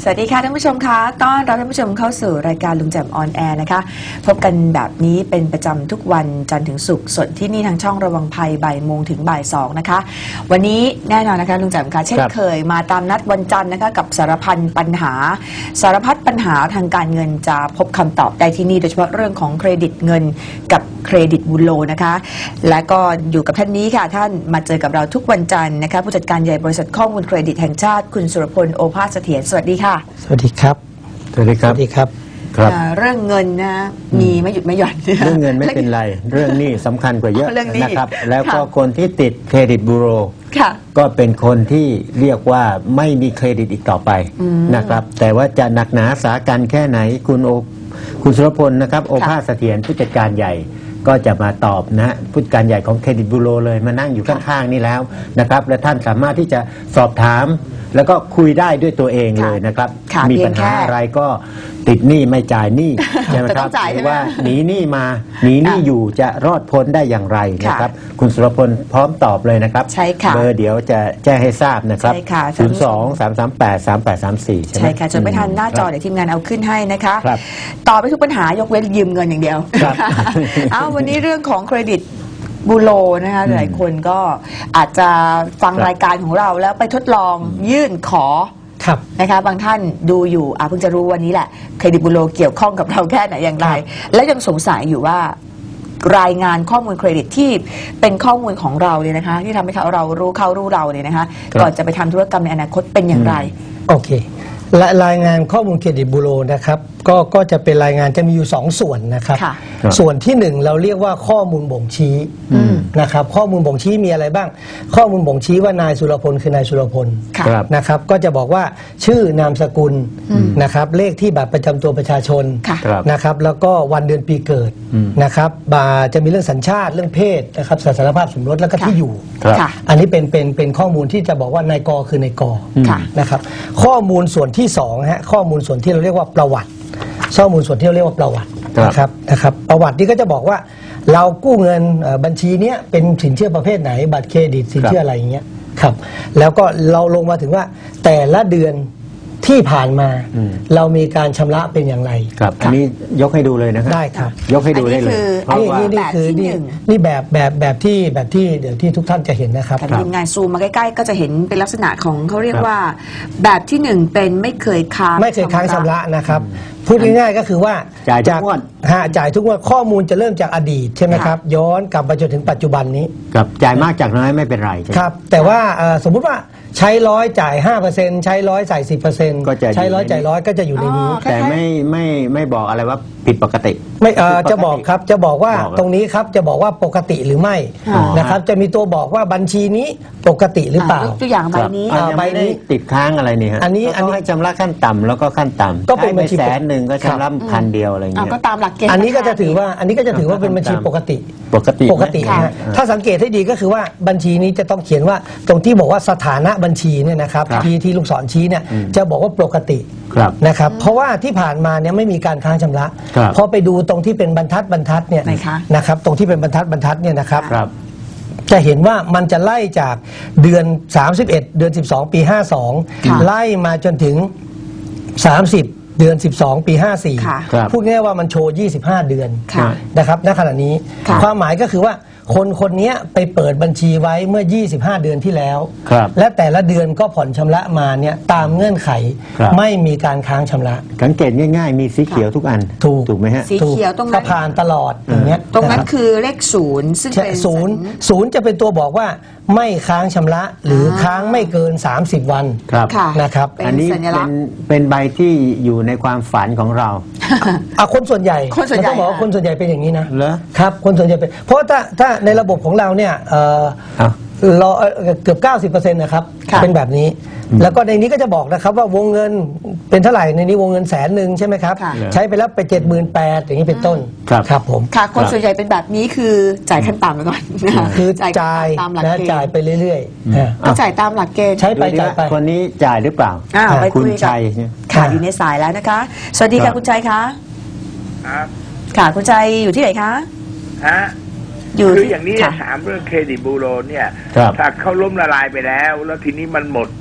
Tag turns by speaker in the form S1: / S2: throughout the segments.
S1: วัสดีค่ะท่านผู้ชมคะต้อนรับท่านผู้ชมเข้าสู่รายการลุงแจ่มออนแอร์นะคะพบกันแบบนี้เป็นประจำทุกวันจันทร์ถึงศุกร์สดที่นี่ทางช่องระวังภัยบ่ายโมงถึงบ่าย2นะคะวันนี้แน่นอนนะคะลุงแจ่มคะเช่นเคยมาตามนัดวันจันทร์นะคะกับสารพัดปัญหาทางการเงินจะพบคำตอบได้ที่นี่โดยเฉพาะเรื่องของเครดิตเงินกับเครดิตบุญโลนะคะและก็อยู่กับท่านนี้ค่ะท่านมาเจอกับเราทุกวันจันทร์นะคะผู้จัดการใหญ่บริษัทข้อมูลเครดิตแห่งชาติคุณสุรพลโอภาสเสถียรสวัสดีค่ะ
S2: สวัสดีครับ
S3: สวัสดีครับ
S2: สวัสดีครับ
S1: เรื่องเงินนะมีไม่หยุดไม่หย่อน
S3: เรื่องเงินไม่เป็นไรเรื่องนี้สำคัญกว่าเยอะนะครับแล้วก็คนที่ติดเครดิตบูโรก็เป็นคนที่เรียกว่าไม่มีเครดิตอีกต่อไปนะครับแต่ว่าจะหนักหนาสากันแค่ไหนคุณสุรพลนะครับโอภาสเสถียรผู้จัดการใหญ่ก็จะมาตอบนะผู้จัดการใหญ่ของเครดิตบูโรเลยมานั่งอยู่ข้างๆนี่แล้วนะครับและท่านสามารถที่จะสอบถามแล้วก็คุยได้ด้วยตัวเองเลยนะครับมีปัญหาอะไรก็ติดหนี้ไม่จ่ายหนี้ใช่ไหมครับหรือว่าหนีหนี้มาหนีหนี้อยู่จะรอดพ้นได้อย่างไรนะครับคุณสุรพลพร้อมตอบเลยนะครับเบอร์เดี๋ยวจะแจ้งให้ทราบนะครับ02-338-3834
S1: ใช่ค่ะจนไม่ทันหน้าจอเดี๋ยวทีมงานเอาขึ้นให้นะคะตอบไปทุกปัญหายกเว้นยืมเงินอย่างเดียววันนี้เรื่องของเครดิตบูโรนะคะหลายคนก็อาจจะฟังรายการของเราแล้วไปทดลองยื่นขอนะคะบางท่านดูอยู่เพิ่งจะรู้วันนี้แหละเครดิตบูโรเกี่ยวข้องกับเราแค่ไหนอย่างไรและยังสงสัยอยู่ว่ารายงานข้อมูลเครดิตที่เป็นข้อมูลของเราเนี่ยนะคะที่ทำให้เรารู้เราเนี่ยนะคะก่อนจะไปทำธุรกรรมในอนาคตเป็นอย่างไร
S2: โอเคและรายงานข้อมูลเครดิตบูโรนะครับก็จะเป็นรายงานจะมีอยู่2ส่วนนะครับส่วนที่1เราเรียกว่าข้อมูลบ่งชี้นะครับข้อมูลบ่งชี้มีอะไรบ้างข้อมูลบ่งชี้ว่านายสุรพลคือนายสุรพลนะครับก็จะบอกว่าชื่อนามสกุลนะครับเลขที่บัตรประจำตัวประชาชนนะครับแล้วก็วันเดือนปีเกิดนะครับจะมีเรื่องสัญชาติเรื่องเพศนะครับสถานภาพสมรสแล้วก็ที่อยู่อันนี้เป็นข้อมูลที่จะบอกว่านายกคือนายกนะครับข้อมูลส่วนที่2ฮะข้อมูลส่วนที่เราเรียกว่าประวัติข้อมูลส่วนที่เราเรียกว่าประวัตินะครับประวัตินี้ก็จะบอกว่าเรากู้เงินบัญชีนี้เป็นสินเชื่อประเภทไหนบัตรเครดิตสินเชื่ออะไรอย่างเงี้ยครับแล้วก็เราลงมาถึงว่าแต่ละเดือนที่ผ่านมาเรามีการชำระเป็นอย่างไร
S3: ครับอันนี้ยกให้ดูเลยนะครับ
S2: ได้ครับ
S3: ยกให้ดูได้เลย
S2: นี่คือนี่แบบที่เดี๋ยวที่ทุกท่านจะเห็นนะครับ
S1: ทีมงานซูมมาใกล้ๆก็จะเห็นเป็นลักษณะของเขาเรียกว่าแบบที่1เป็นไม่เคยค้าง
S2: ชำระนะครับพูดง่ายๆก็คือว่า
S3: จ่ายทุกงวด
S2: ข้อมูลจะเริ่มจากอดีตใช่ไหมครับย้อนกลับมาจนถึงปัจจุบันนี้
S3: ครับจ่ายมากจากน้อยไม่เป็นไร
S2: ครับแต่ว่าสมมุติว่าใช้100จ่าย 5% ใช้100ใส่10%ใช้100จ่าย100ก็จะอยู่ในนี้
S3: แต่ไม่บอกอะไรว่าผิดปกติ
S2: ไม่จะบอกครับจะบอกว่าตรงนี้ครับจะบอกว่าปกติหรือไม่นะครับจะมีตัวบอกว่าบัญชีนี้ปกติหรือเปล่า
S1: ตัวอย่างใบนี้
S3: ติดค้างอะไรนี่ฮะ
S2: อันนี้
S3: ให้ชำระขั้นต่ำแล้วก็ขั้นต่ำ
S2: ก็เป็นบัญชี
S3: 100,000ก็ชำระ1,000อะไรเงี้ย
S1: ก็ตามหลักเกณฑ์
S2: อันนี้ก็จะถือว่าเป็นบัญชีปกตินะถ้าสังเกตให้ดีก็คือว่าบัญชีนี้จะต้องเขียนว่าตรงที่บอกว่าสถานะบัญชีเนี่ยนะครับที่ลูกศรชี้เนี่ยจะบอกว่าปกตินะครับเพราะว่าที่ผ่านมาเนี่ยไม่มีการค้างชำระพอไปดูตรงที่เป็นบรรทัดเนี่ยนะครับตรงที่เป็นบรรทัดเนี่ยนะครับจะเห็นว่ามันจะไล่จากเดือน31เดือน12ปี52ไล่มาจนถึง30เดือน12ปี54พูดง่ายว่ามันโชว์25เดือนนะครับณขณะนี้ความหมายก็คือว่าคนนี้ไปเปิดบัญชีไว้เมื่อ25เดือนที่แล้วและแต่ละเดือนก็ผ่อนชำระมาเนี่ยตามเงื่อนไขไม่มีการค้างชำระ
S3: สังเกตง่ายๆมีสีเขียวทุกอันถูกไหมฮะ
S1: สีเขียวตรงนั้น
S2: ผ่านตลอดอย่างเงี้ย
S1: ตรงนั้นคือเลข0ซึ่งเป็น
S2: ศูนย์จะเป็นตัวบอกว่าไม่ค้างชำระหรือค้างไม่เกิน30วันนะครับ
S3: อันนี้เป็นใบที่อยู่ในความฝันของเรา
S2: คนส่วนใหญ่ต้องบอกว่าคนส่วนใหญ่เป็นอย่างนี้นะครับคนส่วนใหญ่เป็นเพราะถ้าในระบบของเราเนี่ยเราเกือบ90%นะครับเป็นแบบนี้แล้วก็ในนี้ก็จะบอกนะครับว่าวงเงินเป็นเท่าไหร่ในนี้วงเงิน100,000ใช่ไหมครับใช้ไปแล้วไป78,000อย่างนี้เป็นต้นครับผม
S1: ค่ะคนส่วนใหญ่เป็นแบบนี้คือจ่ายขั้นต่ำไปก่อน
S2: คือจ่ายไปเรื่อย
S1: ๆก็จ่ายตามหลักเกณฑ์
S2: ใช้ไป
S3: คนนี้จ่ายหรือเปล่าคุณชัย
S1: ค่ะอยู่ในสายแล้วนะคะสวัสดีค่ะคุณชัยคะค่ะคุณชัยอยู่ที่ไหนคะ
S4: คืออย่างนี้ถามเรื่องเครดิตบูโรเนี่ยถ้าเขาล้มละลายไปแล้วทีนี้มันหมดพ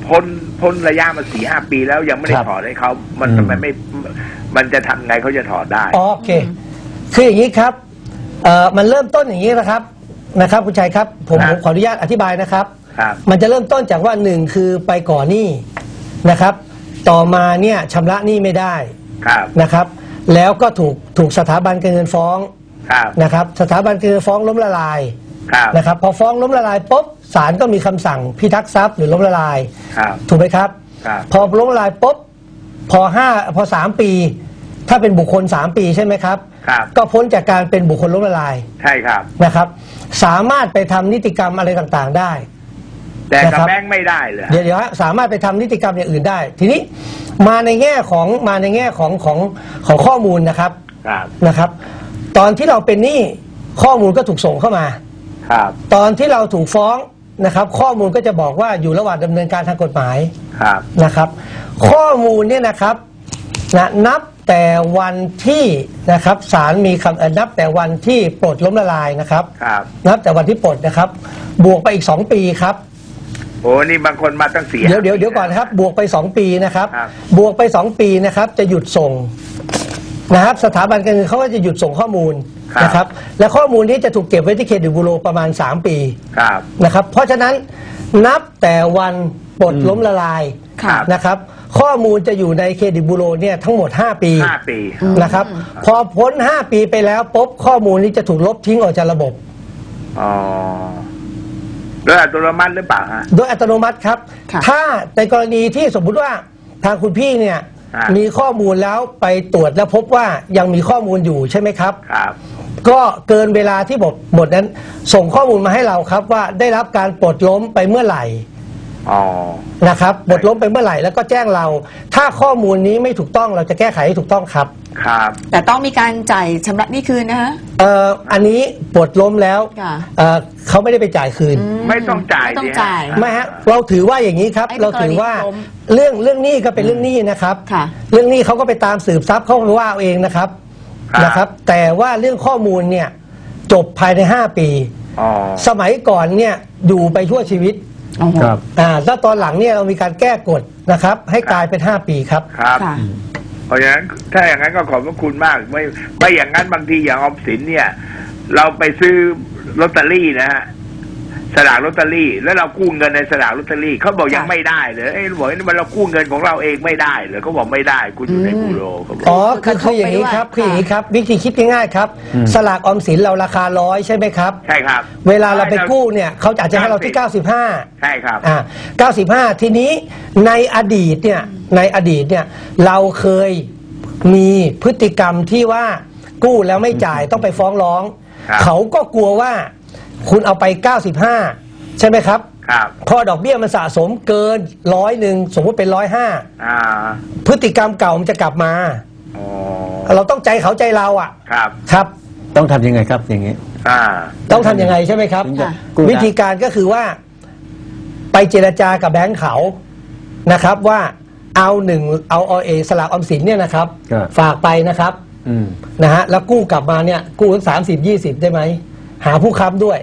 S4: พ้นระยะมา4-5 ปีแล้วยังไม่ได้ถอดให้เขามันทำไมไม่มันจะทำไงเขาจะถอดได้
S2: โอเคคืออย่างนี้ครับมันเริ่มต้นอย่างนี้นะครับคุณชัยครับผมขออนุญาตอธิบายนะครับมันจะเริ่มต้นจากว่า1คือไปก่อหนี้นะครับต่อมาเนี่ยชำระหนี้ไม่ได้นะครับแล้วก็ถูกสถาบันการเงินฟ้องนะครับสถาบันการเงินฟ้องล้มละลายนะครับพอฟ้องล้มละลายปุ๊บศาลก็มีคำสั่งพิทักษ์ทรัพย์หรือล้มละลายถูกไหมครับพอล้มละลายปุ๊บพอ3 ปีถ้าเป็นบุคคล3 ปีใช่ไหมครับก็พ้นจากการเป็นบุคคลล้มละลาย
S4: ใช่ครับ
S2: นะครับสามารถไปทำนิติกรรมอะไรต่างๆได้
S4: แต่กับแบงค์ไม่ได้เลย
S2: เดี๋ยวสามารถไปทำนิติกรรมอย่างอื่นได้ทีนี้มาในแง่ของข้อมูลนะครับตอนที่เราเป็นหนี้ข้อมูลก็ถูกส่งเข้ามาตอนที่เราถูกฟ้องนะครับข้อมูลก็จะบอกว่าอยู่ระหว่างดำเนินการทางกฎหมายนะครับข้อมูลเนี่ยนะครับนับแต่วันที่นะครับศาลมีคำนับแต่วันที่ปลดล้มละลายนะครับนับแต่วันที่ปลดนะครับบวกไปอีก2 ปีครับ
S4: โอ้นี่บางคนมาตั้ง4
S2: เดี๋ยวก่อนครับบวกไป2 ปีนะครับบวกไป2 ปีนะครับจะหยุดส่งนะครับสถาบันการเงินเขาก็จะหยุดส่งข้อมูลนะครับและข้อมูลนี้จะถูกเก็บไว้ที่เครดิตบูโรประมาณ3 ปีนะครับเพราะฉะนั้นนับแต่วันปลดล้มละลายนะครับข้อมูลจะอยู่ในเครดิตบูโรเนี่ยทั้งหมด5 ปีนะครับพอพ้น5 ปีไปแล้วปุ๊บข้อมูลนี้จะถูกลบทิ้งออกจากระบบ
S4: โดยอัตโนมัติหรือเปล่าฮะ
S2: โดยอัตโนมัติครับถ้าในกรณีที่สมมุติว่าทางคุณพี่เนี่ยมีข้อมูลแล้วไปตรวจแล้วพบว่ายังมีข้อมูลอยู่ใช่ไหมครับก็เกินเวลาที่บทนั้นส่งข้อมูลมาให้เราครับว่าได้รับการปลดล้มไปเมื่อไหร่นะครับปลดล้มไปเมื่อไหร่แล้วก็แจ้งเราถ้าข้อมูลนี้ไม่ถูกต้องเราจะแก้ไขให้ถูกต้องครับ
S1: แต่ต้องมีการจ่ายชำระหนี้คืนนะฮะ
S2: อันนี้ปลดล้มแล้วเขาไม่ได้ไปจ่ายคืน
S4: ไม่ต้องจ่าย
S2: ไม่ฮะเราถือว่าอย่างนี้ครับเราถือว่าเรื่องหนี้ก็เป็นเรื่องหนี้นะครับเรื่องหนี้เขาก็ไปตามสืบทรัพย์เขาว่าเอาเองนะครับแต่ว่าเรื่องข้อมูลเนี่ยจบภายใน5 ปีสมัยก่อนเนี่ยอยู่ไปทั่วชีวิตแล้วตอนหลังเนี่ยเรามีการแก้กฎนะครับให้กลายเป็น5 ปีครับ
S4: เพราะฉะนั้นถ้าอย่างนั้นก็ขอบพระคุณมากไม่อย่างนั้นบางทีอย่างออมสินเนี่ยเราไปซื้อลอตเตอรี่นะฮะสลากลอตเตอรี่แล้วเรากู้เงินในสลากลอตเตอรี่เขาบอกยังไม่ได้เลยบอกว่าเรากู้เงินของเราเองไม่ได้เลยเขาบอกไม่ได้คุณอยู่ในบูโรเขาบอก
S2: คืออย่างนี้ครับวิธีคิดง่ายๆครับสลากออมสินเราราคา100ใช่ไหมครับ
S4: ใช่ครับ
S2: เวลาเราไปกู้เนี่ยเขาอาจจะให้เราที่95
S4: ใช่ครับ
S2: 95ทีนี้ในอดีตเนี่ยเราเคยมีพฤติกรรมที่ว่ากู้แล้วไม่จ่ายต้องไปฟ้องร้องเขาก็กลัวว่าคุณเอาไป95ใช่ไหมครับพอดอกเบี้ยมันสะสมเกิน100สมมติเป็น105พฤติกรรมเก่ามันจะกลับมาเราต้องใจเขาใจเราครับ
S3: ต้องทำยังไงครับอย่างนี้
S2: ต้องทำยังไงใช่ไหมครับวิธีการก็คือว่าไปเจรจากับแบงค์เขานะครับว่าเอาสลากออมสินเนี่ยนะครับฝากไปนะครับนะฮะแล้วกู้กลับมาเนี่ยกู้สัก30-20ได้ไหมหาผู้ค้ำด้วย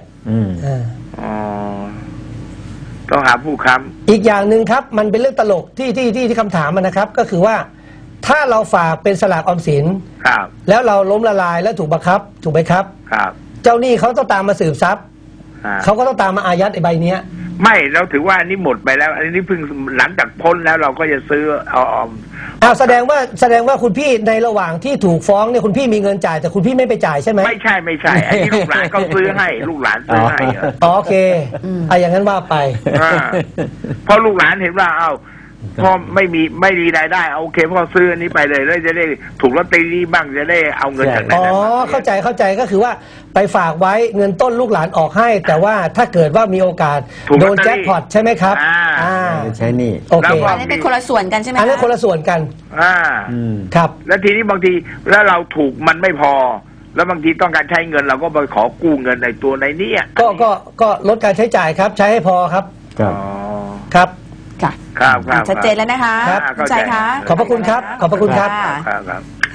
S4: ต้องหาผู้ค้
S2: ำอีกอย่างหนึ่งครับมันเป็นเรื่องตลกที่คำถามมันนะครับก็คือว่าถ้าเราฝากเป็นสลากออมสินแล้วเราล้มละลายแล้วถูกบังคับถูกไหมครับเจ้าหนี้เขาต้องตามมาสืบทรัพย์เขาก็ต้องตามมาอายัดไอ้ใบเนี้ย
S4: ไม่เราถือว่าอันนี้หมดไปแล้วอันนี้เพิ่งหลังจากพ้นแล้วเราก็จะซื้อ
S2: แสดงว่าคุณพี่ในระหว่างที่ถูกฟ้องเนี่ยคุณพี่มีเงินจ่ายแต่คุณพี่ไม่ไปจ่ายใช่ไหม
S4: ไม่ใช่อันนี้ลูกหลานเขาซื้อให้ลูกหลานซื้อให้
S2: โอเคอย่างนั้นว่าไป
S4: เพราะลูกหลานเห็นว่าพอไม่มีรายได้โอเคพอซื้ออันนี้ไปเลยแล้วจะได้ถูกลอตเตอรี่บ้างจะได้เอาเงินจากไหน
S2: เข้าใจก็คือว่าไปฝากไว้เงินต้นลูกหลานออกให้แต่ว่าถ้าเกิดว่ามีโอกาสโดนแจ็คพอตใช่ไหมครับ
S3: ใช่นี่
S2: โอเค
S1: อันนี้เป็นคนละส่วนกันใช่ไหม
S2: อันนี้คนละส่วนกันครับ
S4: แล้วทีนี้บางทีแล้วเราถูกมันไม่พอแล้วบางทีต้องการใช้เงินเราก็ไปขอกู้เงินในตัวในนี้
S2: ก็ลดการใช้จ่ายครับใช้ให้พอครับครับ
S1: ชัดเจนแล้วนะคะ
S2: ครับ
S1: ใจค่ะ
S2: ขอบพระคุณครับขอบพระคุณครับ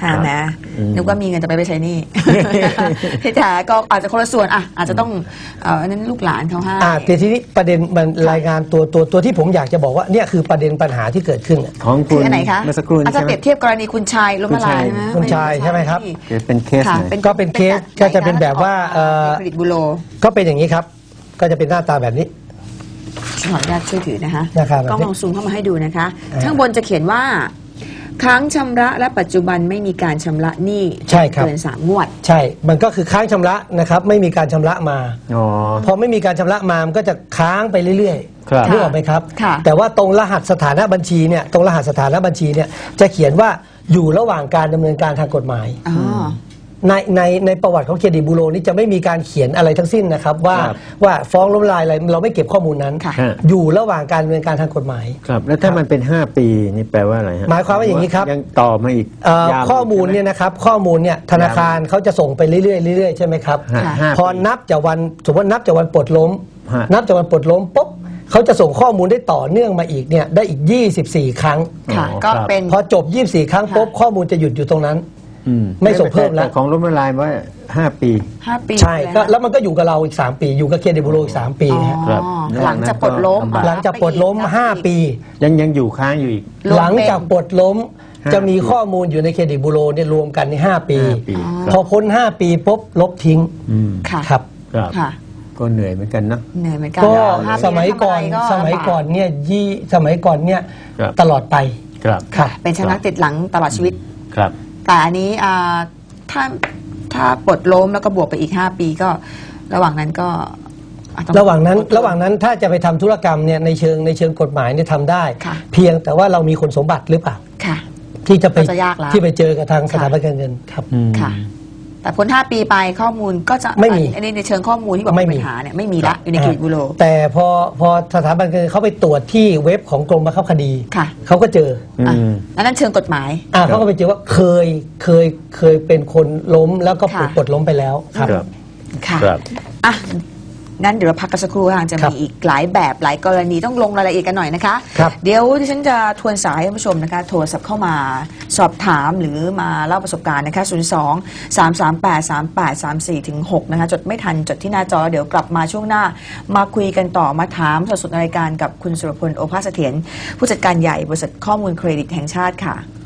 S1: หาแม้นึกว่ามีเงินจะไปใช้หนี้ ที่แท้ก็อาจจะคนละส่วนอาจจะต้องอันนั้นลูกหลานเขาให้
S2: แต่ทีนี้ประเด็นมันรายงานตัวที่ผมอยากจะบอกว่าเนี่ยคือประเด็นปัญหาที่เกิดขึ้น
S3: ของคุณ
S1: อันไหนคะ
S3: เมื่อสักครู่
S1: อาจจะเปรียบเทียบกรณีคุณชายล้มละลายใช่ไหม
S2: คุณชายใช่ไหมครับ
S3: เป็นเคส
S2: ก็เป็นเคสก็จะเป็นแบบว่า
S1: เครดิตบูโร
S2: ก็เป็นอย่างนี้ครับก็จะเป็นหน้าตาแบบนี้
S1: ขออนุญาตช่วยถือนะคะก็ลองซูมเข้ามาให้ดูนะคะข้างบนจะเขียนว่าค้างชำระและปัจจุบันไม่มีการชำระหนี้เกิน3 งวด
S2: ใช่มันก็คือค้างชำระนะครับไม่มีการชำระมาพอไม่มีการชำระมามันก็จะค้างไปเรื่อยๆนึกออกไหมครับแต่ว่าตรงรหัสสถานะบัญชีเนี่ยตรงรหัสสถานะบัญชีเนี่ยจะเขียนว่าอยู่ระหว่างการดำเนินการทางกฎหมายในประวัติของเครดิตบูโรนี่จะไม่มีการเขียนอะไรทั้งสิ้นนะครับว่าฟ้องล้มละลายอะไรเราไม่เก็บข้อมูลนั้นอยู่ระหว่างการดำเนินการทางกฎหมาย
S3: ครับแล้วถ้ามันเป็น5 ปีนี่แปลว่าอะไรฮะ
S2: หมายความว่าอย่างนี้ครับ
S3: ยังต่อมาอีก
S2: ข้อมูลเนี่ยนะครับข้อมูลเนี่ยธนาคารเขาจะส่งไปเรื่อยๆใช่ไหมครับพอนับจากวันสมมตินับจากวันปลดล้มนับจากวันปลดล้มปุ๊บเขาจะส่งข้อมูลได้ต่อเนื่องมาอีกเนี่ยได้อีก24 ครั้ง
S1: ก็เป็น
S2: พอจบ24 ครั้งปุ๊บข้อมูลจะหยุดอยู่ตรงนั้นไม่ส่งเพิ่มแล้ว
S3: ของล้มละลายว่า5 ปี
S2: ใช่ก็แล้วมันก็อยู่กับเราอีก3 ปีอยู่กับเครดิตบูโรอีก3 ปี
S1: ครับหลังจากปลดล้ม
S2: 5 ปี
S3: ยังอยู่ค้างอยู่อีก
S2: หลังจากปลดล้มจะมีข้อมูลอยู่ในเครดิตบูโรเนี่ยรวมกันใน5 ปีพอพ้น5 ปีปุ๊บลบทิ้งครับ
S3: ก็เหนื่อยเหมือนกันนะ
S1: เหนื่อยเหมือนกัน
S2: ก็สมัยก่อนเนี่ยตลอดไป
S1: เป็นชนักติดหลังตลอดชีวิต
S3: ครับ
S1: แต่อันนี้ถ้าปลดล้มแล้วก็บวกไปอีก5 ปีก็ระหว่างนั้นก็
S2: ระหว่างนั้นถ้าจะไปทำธุรกรรมเนี่ยในเชิงกฎหมายเนี่ยทำได้เพียงแต่ว่าเรามีคุณสมบัติหรือเปล่าที่จะไปเจอกับทางสถาบันการเงินครับ
S1: ค่ะแต่พ้น5 ปีไปข้อมูลก็จะ
S2: ไม่มี
S1: อันนี้ในเชิงข้อมูลที่บอกปัญหาเนี่ยไม่มีละอยู่ในเครดิตบูโร
S2: แต่พอสถาบันการเงินเขาไปตรวจที่เว็บของกรมบังคับคดีเขาก็เจอ
S1: นั้นเชิงกฎหมาย
S2: เขาก็ไปเจอว่าเคยเป็นคนล้มแล้วก็ปลดล้มไปแล้วครับ
S1: ค่ะงั้นเดี๋ยวเราพักกันสักครู่ค่ะจะมีอีกหลายแบบหลายกรณีต้องลงรายละเอียดกันหน่อยนะคะเดี๋ยวที่ฉันจะทวนสายให้ผู้ชมนะคะโทรศัพท์เข้ามาสอบถามหรือมาเล่าประสบการณ์นะคะ02-338-3834-6นะคะจดไม่ทันจดที่หน้าจอเดี๋ยวกลับมาช่วงหน้ามาคุยกันต่อมาถามสดๆในรายการกับคุณสุรพลโอภาสเสถียรผู้จัดการใหญ่บริษัทข้อมูลเครดิตแห่งชาติค่ะ